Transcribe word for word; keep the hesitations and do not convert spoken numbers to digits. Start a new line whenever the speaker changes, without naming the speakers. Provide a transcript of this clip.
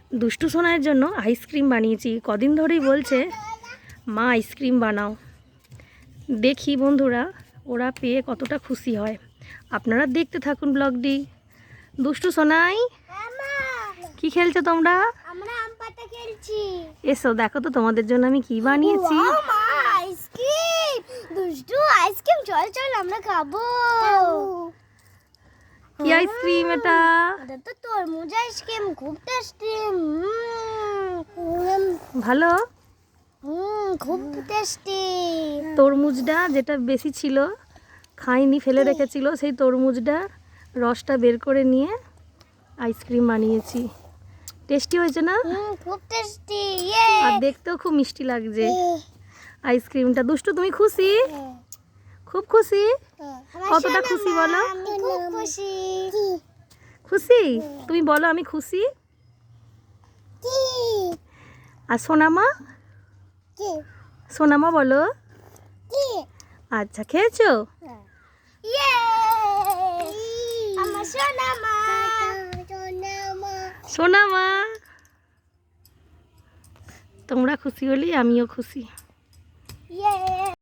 দুষ্টু সোনার জন্য আইসক্রিম বানিয়েছি। কদিন ধরেই বলছে মা আইসক্রিম বানাও। দেখি বন্ধুরা ওরা পেয়ে কতটা খুশি হয়। আপনারা দেখতে থাকুন ব্লগটি। দুষ্টু সোনাই, কি খেলছো তোমরা?
আমরা আম পাতা খেলছি।
এসো দেখো তো তোমাদের জন্য আমি কি বানিয়েছি।
ওয়াও মা, আইসক্রিম! দুষ্টু আইসক্রিম, চল চল আমরা খাবো।
কি আইসক্রিম এটা?
এটা তো তরমুজ আইসক্রিম, খুব টেস্টি।
ভালো।
হুম, খুব টেস্টি।
তরমুজটা যেটা বেশি ছিল খাইনি, ফেলে রেখেছিল, সেই তরমুজটা রসটা বের করে নিয়ে আইসক্রিম বানিয়েছি। টেস্টি হয়েছে না?
হুম, খুব টেস্টি। ইয়ে!
আর দেখতেও খুব মিষ্টি লাগছে আইসক্রিমটা। দুষ্টু তুমি খুশি? খুব খুশি? কতটা খুশি বলো?
আমি খুব খুশি।
খুশি? তুমি বলো আমি খুশি। আর সোনামা? সোনামা বলো। আচ্ছা, খেয়েছো?
ইয়ে! আমার সোনা মা।
সোনামা, তোমরা খুশি হলেই আমিও খুশি।